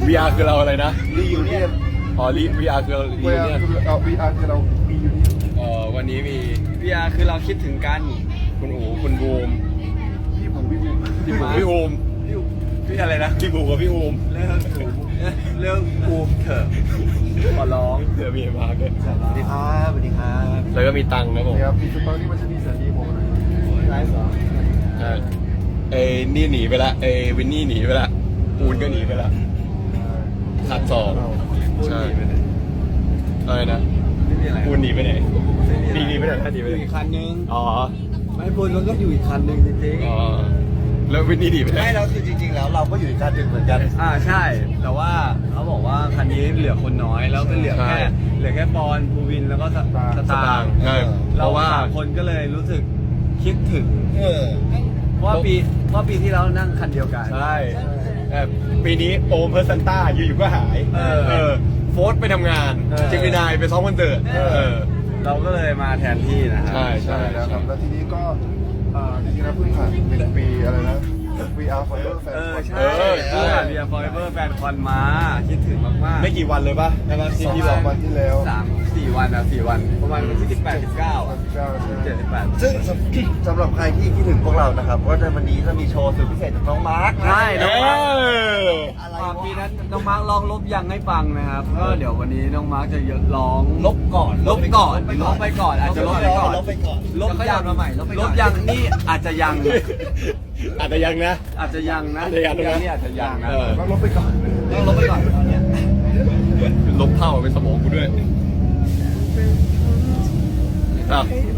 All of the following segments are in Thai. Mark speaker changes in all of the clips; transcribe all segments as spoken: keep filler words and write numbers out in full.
Speaker 1: วี อาร์ คือเราอะไรนะ
Speaker 2: รียูเนียน
Speaker 1: อ๋อ วี อาร์ คือเรา
Speaker 2: วีอาร์คือเอาวีอาร์คือเรารียูเนียน
Speaker 1: เอ่อวันนี้มี
Speaker 3: พี อาร์ คือเราคิดถึงกัน
Speaker 1: คุณอู๋คุณบูม
Speaker 2: พี่ผมพี่ผม
Speaker 1: พี่บูมพี่บูม
Speaker 3: พี่อะไรนะ
Speaker 1: พี่บูมกับพี่บูม
Speaker 3: เรื่องเรื่องอูมเถอะขอร้อง
Speaker 1: เดี๋ยวมีมาด้วย
Speaker 3: สวัสดีครับสวัสดีครับ
Speaker 1: แล้วก็มีตังค์นะผม
Speaker 2: เนี่ยครับพี่สตอรี่มันจะมีสัญญาผมอะไร
Speaker 3: ไลฟ์เหรอ
Speaker 1: ใช่ไอ้นี่หนีไปละไอ้วินนี่หนีไปละปูนก็หนีไปละขาดสองใช่อะไรนะ
Speaker 3: ไม่มีอะไร
Speaker 1: ปูนหนีไปไหนหนีหนีไปไหนท่านหนีไป
Speaker 3: อ
Speaker 1: ไหน
Speaker 3: ยู่อีกคันนึง
Speaker 1: อ๋อ
Speaker 3: ไม่พูดมันก็อยู่อีกคันนึงจริง
Speaker 1: อ๋อแล้ววินนี่หนีไปไหน
Speaker 4: ไม่แล้วคือจริงๆแล้วเราก็อยู่ในการดึกเหมือนกัน
Speaker 3: ๆอ่าใช่ แต่ว่าเขาบอกว่าคันนี้เหลือคนน้อยแล้วก็เหลือแค่เหลือแค่ปอนภูวินแล้วก็สส
Speaker 1: ส
Speaker 3: ตา
Speaker 1: ตาง
Speaker 3: ง
Speaker 1: ค์
Speaker 3: ค์
Speaker 1: ใช่เพ
Speaker 3: เรา
Speaker 1: ราะว่า
Speaker 3: สามคนก็เลยรู้สึกคิดถึง
Speaker 4: เออ
Speaker 3: เพราะว่าปีเพราะปีที่แล้วนั่งคันเดียวกัน
Speaker 1: ใช่แต่ปีนี้โอมเพอร์ซันต้าอยู่ๆก็หาย
Speaker 3: เออ
Speaker 1: เออโฟร์ไปทำงาน
Speaker 3: เออ
Speaker 1: เจมินายไปซ้อมคอนเสิร์ตเออ
Speaker 3: เราก็เลยมาแทนที่นะครั
Speaker 1: ใช่
Speaker 2: ใช่แล้วครับแล้วทีนี้ก็อ่าจริงๆแล้วเพิ่งผ่านเป็นปีอะไรนะ วี อาร์ Forever Fan
Speaker 3: เออใช่
Speaker 1: เออใช่
Speaker 3: เพื่อนเรียนฟอร์เอเวอร์แฟนคอนมาคิดถึงมากๆ
Speaker 1: ไม่กี่วันเลยป่ะใช่ป่ะที่
Speaker 2: สอง
Speaker 1: พี่บอก
Speaker 2: วันที่แล้ว
Speaker 3: สามสี่วันอ่ะสี่วันประมาณวันที่สิบแปดสิบเก้าอ่ะ
Speaker 2: เก้าใช่ไหม
Speaker 3: เจ็ดสิบแปด
Speaker 4: ซึ่งสำสำหรับใครที่คิดถึงพวกเรานะครับก็ในวันนี้จะมีโชว์สุดพิเศษจากน้องมาร์คนะ
Speaker 3: ใช่
Speaker 1: เอ
Speaker 3: น้องมาร์ค
Speaker 1: อ
Speaker 4: อะไร
Speaker 3: อ่าว
Speaker 4: ะ
Speaker 3: ปีนั้นน้องมาร์คลองลบยังให้ฟังนะครับก็เดี๋ยววันนี้น้องมาร์คจะร้อง
Speaker 4: ลบก่อน
Speaker 3: ลบก่อนลบไปก่อนอาจจะลบไปก่อน
Speaker 4: ลบไปก่อน
Speaker 3: ลบยังมาใหม่ลบยังนี่อาจจะยัง
Speaker 1: อาจจะยังนะ
Speaker 3: อาจจะยังนะ
Speaker 1: อาจจะยังนะ
Speaker 3: นี่อาจจะยังนะ
Speaker 1: เออ
Speaker 2: ต้องลบไปก่อน
Speaker 3: ต้องลบไปก่อนตอนเนี้ย
Speaker 1: ลบเท่าเป็นสมองกูด้วยอ่ะ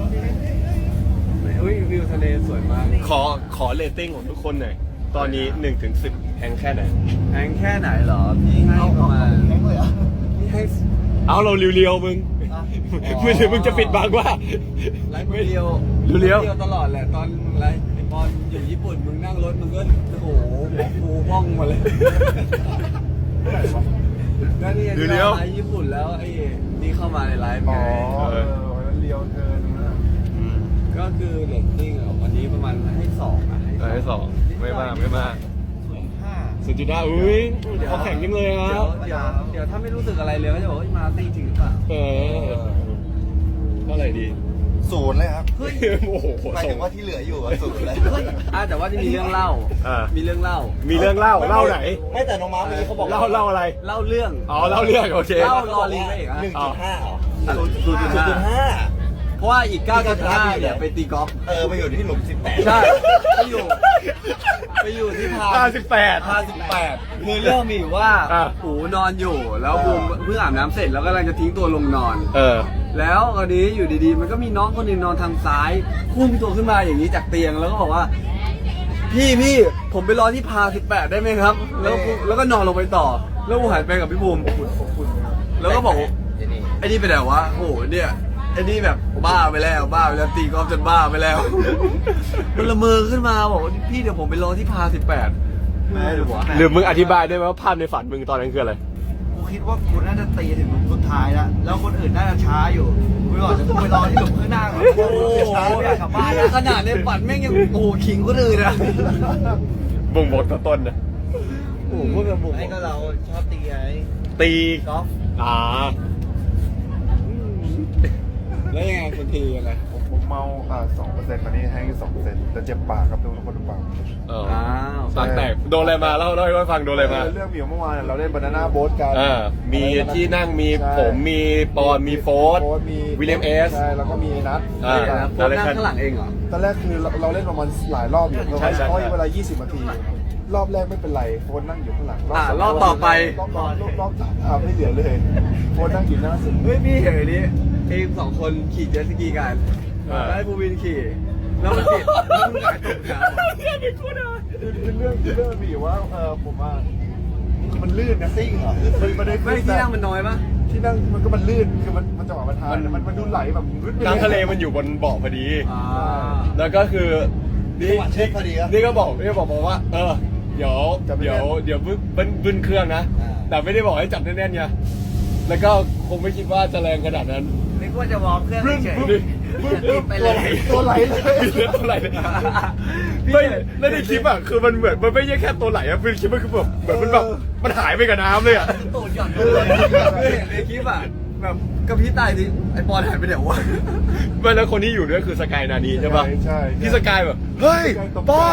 Speaker 3: อุ้ยวิวทะเลสวยมาก
Speaker 1: ขอขอเรตติ้งของทุกคนหน่อยตอนนี้หนึ่งถึงสิบแพงแค่ไหน
Speaker 3: แพงแค่ไหนเหรอพี่ให้ประมาณ
Speaker 4: แข็งเลยเหรอ
Speaker 3: พี่ให้
Speaker 1: เอาเราเรียวๆมึงไม่ใช่มึงจะปิดบังว่า
Speaker 3: ไลฟ์เรียว
Speaker 1: เรียว
Speaker 3: เรียวตลอดแหละตอนไลฟ์ไอ้บอลอยู่ญี่ปุ่นมึงนั่งรถมึงก็โอ้โหหัวฟูว่องมาเลยก็นี่ที่เราไลฟ์ญี่ปุ่นแล้วไอ้นี่เข้ามาในไลฟ์
Speaker 2: อ๋
Speaker 3: ไง
Speaker 2: อเออวันนั้นเลียวเกินนะ
Speaker 1: อืม
Speaker 3: ก็คือเรตติ้งอ่ะวันนี้ประมาณให้สองอ่ะ
Speaker 1: เออให้สองไม่มากไม่มาก
Speaker 4: ห้า
Speaker 1: สุดจุดห้าอุ้ยเขาแข่งยังเลยค
Speaker 3: เดี๋
Speaker 1: รั
Speaker 3: ยว
Speaker 1: บ
Speaker 3: เดี๋ยวเดี๋ยวถ้าไม่รู้สึกอะไรเลยก็จะบอกว่ามาตี้จริงหรือเปล่า
Speaker 1: เออเท่าไหร่ดี
Speaker 4: ศูนย์เลยครับ
Speaker 1: โอ้โห
Speaker 4: หมายถึงว่าที่เหลืออยู่อะศูนย์เลย
Speaker 3: อ่ะแต่ว่าจะมีเรื่องเล่า
Speaker 1: อ่า
Speaker 3: มีเรื่องเล่า
Speaker 1: มีเรื่องเล่าเล่าไหน
Speaker 4: ไม่แต่น้องมาร์คเมื่อกี้เขาบอก
Speaker 1: เล่าเล่าอะไร
Speaker 3: เล่าเรื่อง
Speaker 1: อ๋อเล่าเรื่องโอเค
Speaker 3: เล่ารอลิงได้อีกอ่ะ
Speaker 4: หนึ่งจุดห้าเหรอ
Speaker 3: ศูนย์จุดห้า
Speaker 4: ศูนย์จุดห้า
Speaker 3: เพราะว่าอีกเก้าจุดห้าเนี่ยไปตีกอล์ฟ
Speaker 4: เออไปอยู่ที่หลุมสิบแปด
Speaker 3: ใช่ไปอยู่ ไปอยู่ที่พา
Speaker 1: ห้าสิบแปด
Speaker 3: พาสิบแปดคือเรื่องมีอยู่ว่า
Speaker 1: อ่ะ
Speaker 3: หูนอนอยู่ แล้วบูมเพิ่งอาบน้ำเสร็จแล้วกำลังจะทิ้งตัวลงนอน
Speaker 1: เออ
Speaker 3: แล้วคราวนี้อยู่ดีๆ มันก็มีน้องคนหนึ่งนอนทางซ้ายพุ่งตัวขึ้นมาอย่างนี้จากเตียงแล้วก็บอกว่า พี่พี่ผมไปรอที่พาสิบแปดได้ไหมครับ แล้วกูแล้วก็นอนลงไปต่อ แล้วกูหันไปกับพี่บูมแล้วก็บอก
Speaker 4: เจนี่
Speaker 3: ไอ้นี่ไปไหนวะโอ้โหเนี่ยไอ้นี่แบบบ้าไปแล้วบ้าไปแล้วตีกอล์ฟจนบ้าไปแล้ว มันละเมอขึ้นมาบอกว่าพี่เดี๋ยวผมไปรอที่พาสิบแปดไม่หรือวะ
Speaker 1: หรือมึงอธิบายได้ไหมว่าภาพในฝันมึงตอนนั้นคืออะไร
Speaker 4: กูคิดว่ากูน่าจะตีถึงหลุมสุดท้ายแล้วแล้วคนอื่นน่าจะช้าอยู่กูบอกจะกูไปรอที่หลุมข้างหน้าก่อน
Speaker 3: โอ้โห
Speaker 4: ช้าไม่อยากกลับบ้านแล้ว
Speaker 3: ขนาดในฝันแม่งยังโอ้โหขิงคนอื่นอะ
Speaker 1: บ่งบอกตัวต้นนะ
Speaker 3: โอ้โหพวกแบบบุก
Speaker 4: ไอ้ก็เราชอบตีไง
Speaker 1: ตี
Speaker 4: กอล์ฟ
Speaker 1: อ่า
Speaker 3: แล้วยังไงคนทียังไง
Speaker 2: ผมผมเมาอ่าสองเปอร์เซ็นต์ตอนนี้แห้งอยู่สองเปอร์เซ็นต์แต่เจ็บปากครับโดนคนปาก
Speaker 1: เออ
Speaker 3: อ้าว
Speaker 1: ปากแตกโดนอะไรมาเล่าเล่าให้ฟังโดนอะไรมา
Speaker 2: เรื่องมีอยู่เมื่อวานเราเล่นบานาน่าโบ๊ทกัน
Speaker 1: อ่ามีที่นั่งมี
Speaker 2: ใช่
Speaker 1: ผมมีปอนมีโฟร์
Speaker 2: โบ๊ทมี
Speaker 1: วิลเลียมเอส
Speaker 2: ใช่แล้วก็มีนัท
Speaker 1: อ่า
Speaker 3: เดี๋ยวนะโค้ชนั่งข้างหลังเองเหรอ
Speaker 2: ตอนแรกคือเราเราเล่นประมาณหลายรอบอยู่เรา
Speaker 1: ใช่ใช่
Speaker 2: เพราะเวลายี่สิบนาที รอบแรกไม่เป็นไรโฟนนั่งอยู่ข้างหลัง
Speaker 3: อ่า
Speaker 2: สง
Speaker 3: รอบต่อไป
Speaker 2: รอบรอบรอบรอบสามอ่าไม่เหลือเลยโฟนนั่งอยู่หน้าสุด
Speaker 3: เฮ้ยพี่เห็นอันนี้เองสองคนขี่เจ็ตสกีกัน
Speaker 1: อ่า
Speaker 3: แล้วให้ภูวินขี่ แล้วมันติดแล้วมันหงายตกน้ำอะ
Speaker 2: คือเรื่องคือเรื่องมีอยู่ว่าเออผมว่ามันลื่นนะซิ่งเหรอมันมันได้
Speaker 3: ไม่ที่นั่งมันน้อยปะ
Speaker 2: ที่นั่งมันก็มันลื่นคือมันมันจังหวะมันทานมันมันดูไหลแบบรึดไป
Speaker 1: น้ำทะเลมันอยู่บนเบาะพอดี
Speaker 3: อ่า
Speaker 1: แล้วก็คือนี่
Speaker 4: จังหวะเช็คพอดีครับ
Speaker 1: นี่ก็บอกนี่ก็บอกบอกว่า เออ เดี๋ยวเดี๋ยวเดี๋ยวบึ้นบึ้นบึ้นเครื่องนะ
Speaker 4: อ่า
Speaker 1: แต่ไม่ได้บอกให้จับแน่นๆไงแล้วก็คงไม่คิดว่าจะแรงขนาดนั้น
Speaker 3: นึกว่าจะวอร์มเครื่องเฉย
Speaker 1: นี่
Speaker 4: ไปเลย
Speaker 2: ตัวไหลเลย
Speaker 1: เลือดตัวไหลเลยไม่แล้วในคลิปอ่ะคือมันเหมือนมันไม่ใช่แค่ตัวไหลอ่ะคือคลิปมันคือแบบเหมือนมันแบบมันหายไปกับน้ำเลยอ่ะ
Speaker 4: โตหย่อน
Speaker 3: เออเห็นในคลิปอ่ะแบบกระพริบตาทีไอปอนหายไปไหนวะ
Speaker 1: ไม่แล้วคนที่อยู่ด้วยคือสกายนานีใช่ปะ
Speaker 2: ใช่
Speaker 1: พี่สกายแบบเฮ้ยปอน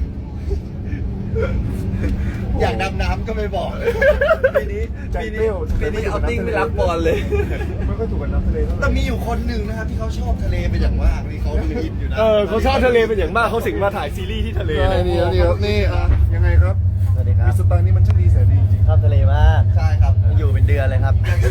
Speaker 4: อยากดำน้ำก็ไม่บอก
Speaker 3: ปีนี้
Speaker 2: ใจ
Speaker 3: ปี
Speaker 2: เปรี้
Speaker 3: นี้
Speaker 2: ยว
Speaker 3: ปีนี้เอาติ้งไม่รับบอลเลย
Speaker 2: ไม่ค่อยถูกกับน้ำทะเลเท่าไห
Speaker 4: แต่
Speaker 2: ร่
Speaker 4: มีอยู่คนหนึ่งนะครับที่เขาชอบทะเลเป็นอย่างมากนี่เขาคิดอยู่นะ
Speaker 1: เออเขาชอบทะเลเป็นอย่างมากเขาสิงมาถ่ายซีรีส์ที่ทะเล
Speaker 2: ใช่
Speaker 1: เลย
Speaker 2: นี่นี่ครับนี่อ่ะยังไงครับ
Speaker 5: สวัสดีครั
Speaker 2: มี
Speaker 5: บ
Speaker 2: สไตล์นี้มันช่างดีแสนดีจริง
Speaker 5: ชอบทะเลมาก
Speaker 4: ใช่ครับ
Speaker 5: อยู่เป็นเดือนเลยครับ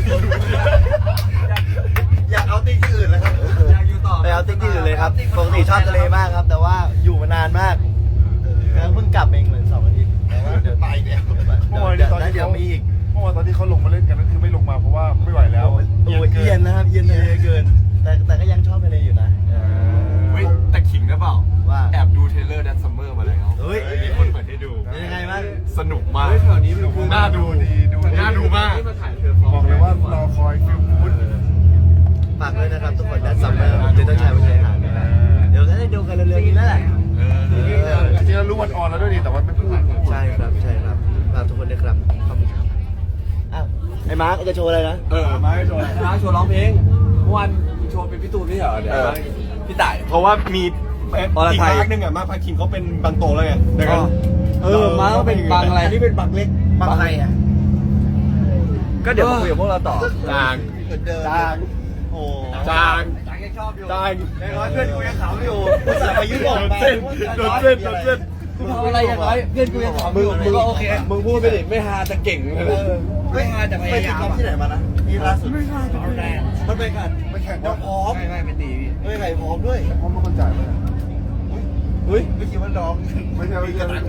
Speaker 4: อยากเอาติ้งที่อื่นเลยครับ
Speaker 3: อยากอยู่ต่อ
Speaker 5: ไปเอาติ๊กที่อื่นเลยครับ ปกติชอบทะเลมากครับ แต่ว่าอยู่มานานมากแล้วเพิ่งกลับเองเหมือนสองอาทิตย์แต่ว่าเดี๋ยว
Speaker 4: ไปแล้ว
Speaker 2: เมื่อวานนี้ตอนที่
Speaker 5: เดี๋ยว
Speaker 2: เขา
Speaker 5: มีอีก
Speaker 2: เมื่อวานตอนที่เขาลงมาเล่นกันนั่นคือไม่ลงมาเพราะว่าไม่ไหวแล้ว
Speaker 5: โอ้ยโอ้ยเอียนนะครับเอียนทะเลเกิน แต่แต่ก็ยังชอบทะเลอยู่นะ
Speaker 1: เฮ้ยแต่ขิงนะเปล่า
Speaker 5: ว่า
Speaker 1: แอบดูเทรลเลอร์ดันซัมเมอร์มาแล้ว
Speaker 5: เฮ้ย
Speaker 1: มีคนเปิดให้ดู
Speaker 5: เป็นยังไงบ้าง
Speaker 1: สนุกมาก
Speaker 3: เฮ้ยแถวนี้มี
Speaker 1: น่าดู
Speaker 2: ดีดูดี
Speaker 1: น่าดูมาก
Speaker 3: ที่มาถ่ายเธอฟ
Speaker 2: บอกเลยว่ารอคอยฟิลกูด
Speaker 5: ฝากด้วยนะครับทุกคนดันซัมเมอร์เดี๋ยวต้องใช้ไปใช้หานะเดี๋ยวก็ได้ดูกันเร็วๆนี้แล้วแหละ
Speaker 2: จริงๆแล้วรู้วันออนแล้วด้วยดีแต่ว่าไม่พูด
Speaker 5: ใช่ครับใช่ครับฝากทุกคนด้วยครับขอบคุณครับอ้าวไอ้มาร์กจะโชว์อะไรนะ
Speaker 3: เออมาให้โชว์มาโชว์ร้องเพลงเมื่อวานโชว์เป็นพี่ตูนไม่เหรอเดี๋ยวมาพี่ต่าย
Speaker 1: เพราะว่ามีเอ่อ
Speaker 3: อร
Speaker 1: อีก
Speaker 3: ไทย
Speaker 1: ภาคหนึงอ่ะมาพาคินเขาเป็นบางโตแล้วไงดังนั้น
Speaker 3: เออมาก็เป็นบางอะไรที่เป็นบางเล็ก
Speaker 4: บางใครอ่ะ
Speaker 3: ก็เดี๋ยวมาคุยกับพวกเราต่อ
Speaker 1: จาง
Speaker 4: เหมือนเดิม
Speaker 1: จาง
Speaker 4: โอ้
Speaker 1: จาง
Speaker 4: จางยังชอบอยู่
Speaker 1: จาง
Speaker 4: ในร้อยเพื่อนกูยังขำอยู่ภาษาไปยุโรป
Speaker 1: โดน
Speaker 4: ไป
Speaker 1: เส้นโดนเส้นโดนเส้น
Speaker 3: กูทำอะไรอย่างไรเพื่อนกูยังถาม
Speaker 4: มึ
Speaker 3: มึ
Speaker 4: ง
Speaker 3: ง
Speaker 4: มึ
Speaker 3: มึ
Speaker 4: ง
Speaker 3: ง
Speaker 4: ก็
Speaker 3: ก็
Speaker 4: โอ
Speaker 3: โอ
Speaker 4: เค
Speaker 3: เคมึงพูดไปดิไม่ฮาจะเก่งเลย
Speaker 4: ไม่หาแต่พยายามไปที่ไหนมานะนี่ล่าสุดมันไปกัน
Speaker 2: ไม่แข่ง
Speaker 4: น้องพร้อม
Speaker 3: ไม่ไม่เป็นดีพี่
Speaker 4: ไม่ใครพร้อมด้วย
Speaker 2: พร้อมเป็นคนจ่ายไหม
Speaker 3: เฮ้ย
Speaker 4: ไม่คิดว่าน้อง
Speaker 2: ไม่ใช่ไม่ใช่ไม่ใช่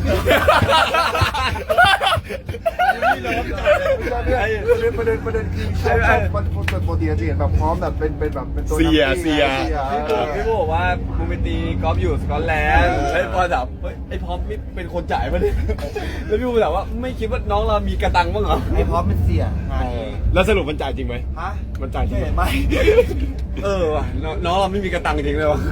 Speaker 2: ประเด็นประเด็นคือชอบชอบมันปกติจะเห็นแบบพร้อมแบบเป็นเป็นแบบเป็นตัว
Speaker 1: เสียเสีย
Speaker 3: พี่ปูพี่ปูบอกว่ามึงไปตีกอล์ฟอยู่สกอตแลนด์ไอ้พอถามเฮ้ยไอ้พร้อมนี่เป็นคนจ่ายปะเนี่ยแล้วพี่ปูถามว่าไม่คิดว่าน้องเรามีกระตังบ้างเหรอ
Speaker 4: ไอ้พร้อมเป็นเสีย
Speaker 1: แล้วสรุปมันจ่ายจริงไหม
Speaker 4: ฮะ
Speaker 1: มันจ่ายจริงไหม
Speaker 4: ไม่
Speaker 3: เออว่ะน้องน้องเราไม่มีกระตังจริงเลยวะ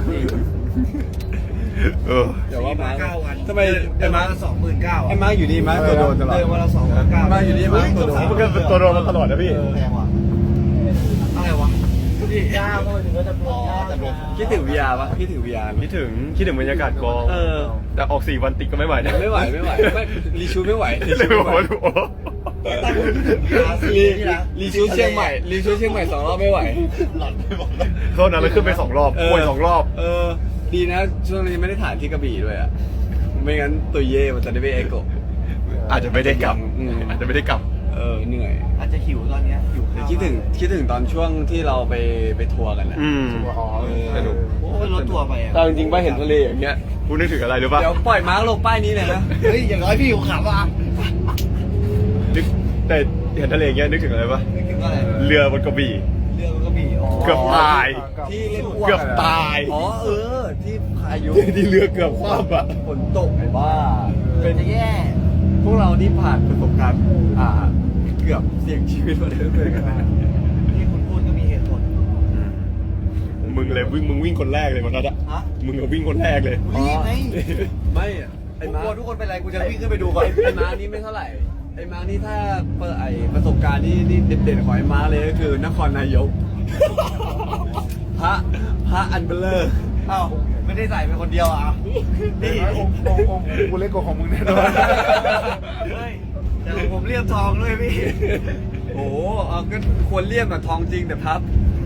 Speaker 1: เออ
Speaker 3: เดี๋ยวว่ามา
Speaker 4: เก้าวัน
Speaker 3: ทำไม
Speaker 4: เดื
Speaker 3: ไอ้
Speaker 4: อน
Speaker 3: มา
Speaker 4: ละสองหมื่นเก้า
Speaker 3: ไอ้มาอยู่นี่มาตัวโดนตลอด
Speaker 4: เดือนวันละสองหมื่นเก้า
Speaker 3: มาอยู่นี่มาตัวโดน
Speaker 1: มันก็เป็นตัวโดนมาตลอดนะพี่
Speaker 4: แพงว่ะอะไรวะ
Speaker 5: ย่าพอถึงก็จะพูดย่าแต่แบบ
Speaker 3: คิดถึง วี อาร์ ปะคิดถึง วี อาร์
Speaker 1: คิดถึงคิดถึงบรรยากาศกอง
Speaker 3: เออ
Speaker 1: แต่ออกสี่วันติดก็ไม่ไหวนะ
Speaker 3: ไม่ไหวไม่ไหวไม่รีชูไม่ไหวรี
Speaker 1: เลย
Speaker 3: ชู
Speaker 1: บ
Speaker 3: ไม่
Speaker 1: อก
Speaker 3: ไหว
Speaker 1: ว่าโอ้โห
Speaker 3: รีรีชูเชียงใหม่รีชูเชียงใหม่สองรอบไม่ไหว
Speaker 1: โทษนะแล้วขึ้นไปสองรอบป่วยสองรอบ
Speaker 3: เออ ดีนะช่วงนี้ไม่ได้ถ่ายที่กระบี่ด้วยอ่ะไม่งั้นตุยเย่มันจะได้ไปเอโกะ
Speaker 1: อาจจะไม่ได้กลับ
Speaker 3: อืม
Speaker 1: อาจจะไม่ได้กลับ
Speaker 3: เออเหนื่อย
Speaker 4: อาจจะหิวตอนเนี้ยหิวข้าว
Speaker 3: คิดถึงคิดถึงตอนช่วงที่เราไปไปทัวร์กันนะ
Speaker 1: อืม
Speaker 2: อ๋อ
Speaker 1: สนุก
Speaker 4: โอ้ยรถทัวร์ไปอ่ะ
Speaker 1: แต่จริงๆว่าเห็นทะเลอย่างเงี้ยคุณนึกถึงอะไรหรือเปล่า
Speaker 3: เดี๋ยวปล่อยมาร์กลงป้ายนี้เลยนะ
Speaker 4: เฮ้ยอย่างน้อยพี่หิวขำอ่ะ
Speaker 1: นึกแต่เห็นทะเลอย่างเงี้ยนึกถึงอะไรปะ
Speaker 4: นึกถึงอะไร
Speaker 1: เรือบนกระบี่
Speaker 4: เรือมันก็มีอ๋อ
Speaker 1: เกือบตาย
Speaker 3: ที่เล่นอ้วก
Speaker 1: เกือบตาย
Speaker 3: อ๋อเออ ที่พายุ
Speaker 1: ที่เรือเกือบคว่ำอ่ะ
Speaker 3: ฝนตกไอ้บ้า
Speaker 4: เป็นจะแย่
Speaker 3: พวกเรานี่ผ่านประสบการณ์อ่า เกือบเสี่ยงชีวิตมาเรื่อยๆกันนะ
Speaker 4: ที่คุณพูดก็มีเหตุผล
Speaker 1: มึงเลยวิ่งมึงวิ่งคนแรกเลยวันนั้นอะ
Speaker 4: ฮะ
Speaker 1: มึงก็วิ่งคนแรกเลย
Speaker 4: รีบไง
Speaker 3: ไม่อะไอ้
Speaker 4: กู
Speaker 3: มาก
Speaker 4: ลัวทุกคนเป็นไรกูจะวิ่งขึ้นไปดูก่อน
Speaker 3: ไอ้มานี่ไม่เท่าไหร่ ไอ้มานี่ถ้าเปิดไอ้ประสบการณ์ที่นี่เด่นๆของไอ้มาเลยก็คือนครนายก พระพระอันเบลเลอร์
Speaker 4: อ้าวไม่ได้ใส่เป็นคนเดียวอ่ะ
Speaker 2: นี่องค์องค์องค์กูเล็กกว่าของมึงแน่นอน
Speaker 4: เฮ้ยแต่ของผมเรียบทองด้วยพี่
Speaker 3: โอ้โหเอาก็ควรเลี่ยมกับทองจริงแต่พับ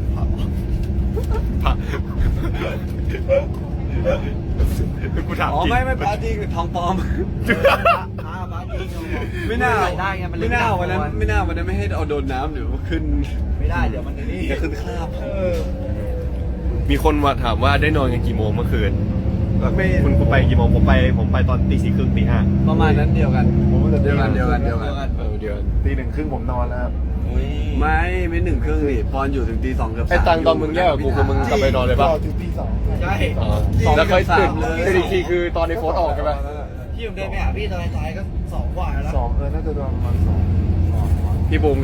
Speaker 1: พระกูถาม
Speaker 3: อ๋อ
Speaker 1: จริง
Speaker 3: ไม่ไม่พระจริงแต่ทองปลอม
Speaker 4: อ้าวมาจริง
Speaker 3: ไม่น่า
Speaker 4: ใส่ได้ไงมันเลย
Speaker 3: ไม่น่าวันนั้น
Speaker 4: ไม่
Speaker 3: ไม่น่าวันนั้นไม่ให้เอาโดนน้ำหรือว่าขึ้น
Speaker 4: ไม่ได้เดี๋ยวมันนี่
Speaker 3: จะขึ้นคราบ
Speaker 1: มีคนมาถามว่าได้นอนกันกี่โมงเมื่อคืน
Speaker 3: ไม่
Speaker 1: คุณคุณไปกี่โมงผมไปผมไปตอนตีสี่ครึ่งตีห้า
Speaker 3: ประมาณนั้นเดียวกัน
Speaker 2: ผมก็จะ
Speaker 3: เดียวกันเดียวกันเดียวกัน
Speaker 1: เออเดือน
Speaker 2: ตีหนึ่งครึ่งผมนอนแล้วครับ
Speaker 3: ไม่ไม่หนึ่งครึ่งดิปอนอยู่ถึงตีสองเกือบสาม
Speaker 1: ไอ้ตังตอนมึงแยกกับกูคือมึงกลับไปนอนเลยป่ะ
Speaker 2: รอถึงตีสอง
Speaker 4: ใช่
Speaker 1: อ๋อแล้วเคยตื่นตื่นอีกทีคือตอนในโฟนออกใช่ไหม
Speaker 4: พี่ผมเดินไปหาพี่ตอนท้ายก็สองกว่าแล้ว
Speaker 2: สองเออน่าจะประมาณสอง
Speaker 1: พี่บูมก็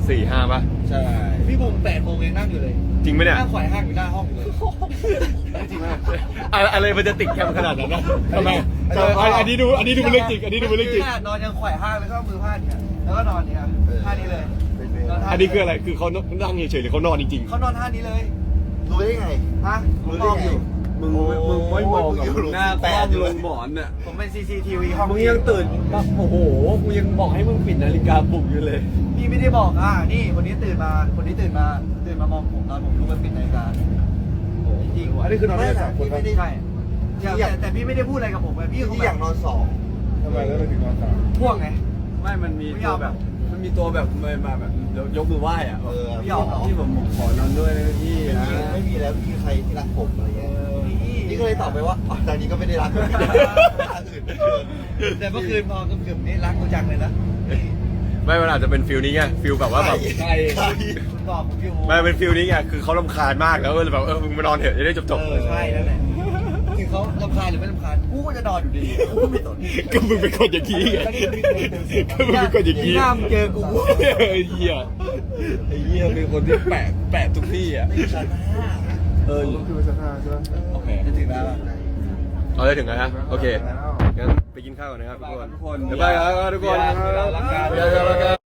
Speaker 1: สี่ห้าป่ะ
Speaker 4: ใช่พี่บุ๋มแปดโมงยังนั่งอยู่เลย
Speaker 1: จริงไหมเนี่ย
Speaker 4: นั่งข่อยห้างอยู่หน้าห้องอยู่เลยจริงมาก
Speaker 1: อะไรอะไรมันจะติดแคมขนาดนั้นนะทำไมเอออันอันนี้ดูอันนี้ดูเป็นเรื่องจริงอันนี้ดูเป็นเรื่องจริง
Speaker 4: นอนยังข่อยห้างแล้วก็เอามือพาดเนี่ยแล้วก็นอนเนี่ยท่านี้เลยนท่า
Speaker 1: อันนี้คืออะไรคือเขานั่งเฉยๆหรือเขานอนจริง
Speaker 4: เขานอนท่านี้เลย
Speaker 5: รู้ได้ไง
Speaker 4: ฮะผม
Speaker 5: รู้
Speaker 4: ม
Speaker 5: ได้
Speaker 4: อง
Speaker 5: ไง
Speaker 4: อยู่
Speaker 3: มึงมึงไม่มองกับมึงหน้า
Speaker 5: แป
Speaker 3: แป้
Speaker 5: ด
Speaker 3: ง
Speaker 5: อยู่
Speaker 3: ลงหมอนเนี่ย
Speaker 4: ผมเป็น ซี ซี ที วี ห้อง
Speaker 3: มึงยังตื่นมาโอ้โหกูยังบอกให้มึงปิดนาฬิกาปลุกอยู่เลย
Speaker 4: พี่ไม่ได้บอกอ่ะนี่คนนี้ตื่นมาคนนี้ตื่นมาตื่นมามองผมตอนผมลุกไปปิดนาฬิกาจริง
Speaker 2: อันนี้คือนอนได้สามคน
Speaker 5: ไม่
Speaker 2: ปะ
Speaker 5: ได้
Speaker 4: ใช่แต่แต่พี่ไม่ได้พูดอะไรกับผมไงพี่
Speaker 5: พี่อยากนอนสอง
Speaker 2: ทำไมแล้วเราถึงนอนสาม
Speaker 4: พ่วงไง
Speaker 3: ไม่มันมี
Speaker 4: ไม่
Speaker 3: ตั
Speaker 4: เอา
Speaker 3: วแบบ มันมีตัวแบบมามาแบบยกมือไหว้อะ
Speaker 5: เออ
Speaker 4: ไม่เอาเหรอ
Speaker 3: พี่ผมขอนอนด้วยนะพี่
Speaker 5: ไม่
Speaker 3: นะ
Speaker 5: มีไม่มีแล้วพี่ใครที่รักผมอะไรเงี้ย
Speaker 4: นี่
Speaker 5: นี่ก็เลยตอบไปว่าอ๋อตอนนี้ก็ไม่ได้รักรักอื่นเหมือนเดิม
Speaker 4: แต่เมื่อคืนพอกึ่มๆนี่รักกูจังเลยนะ
Speaker 1: ๆ ไม่มันอาจจะเป็นฟิลนี้ไงฟิลแบบว่าแบบ
Speaker 5: ใครใคร
Speaker 4: คุณบอกผมอยู่
Speaker 1: ไม่เป็นฟิลนี้ไงคือเขาลำคาญมากแล้วก็เลยแบบเออมึงมานอนเถอะจะได้จบ
Speaker 4: เออใช่นั่นแหละถึงเขาลำคาญหรือไม่ลำคาญกูก็จะนอนอยู่ดีกูก็ไม่สน
Speaker 1: ๆก็มึงเป็นคนอย่างนี้ไงก็มึงเป็นคนอย่างนี้
Speaker 4: หน้ามึงเจอกู
Speaker 1: เออเหี้ย
Speaker 3: ไอ้เหี้ยเป็นคนที่แปลกแปลกทุกที่อ่ะ
Speaker 5: ไม่ชั้นห้า
Speaker 3: เออ
Speaker 2: ก็คือสภาใช่ไหม
Speaker 1: โอเค
Speaker 4: จะถึงแล้ว
Speaker 1: เอาได้ถึงแล้วนะโอเค
Speaker 2: แล้ว
Speaker 1: งั้นไปกินข้าวก่อนนะครับทุกคน
Speaker 3: ทุกคน
Speaker 1: บ๊ายบายครับทุกคน
Speaker 3: เวลารักกัน
Speaker 1: เวลารักกัน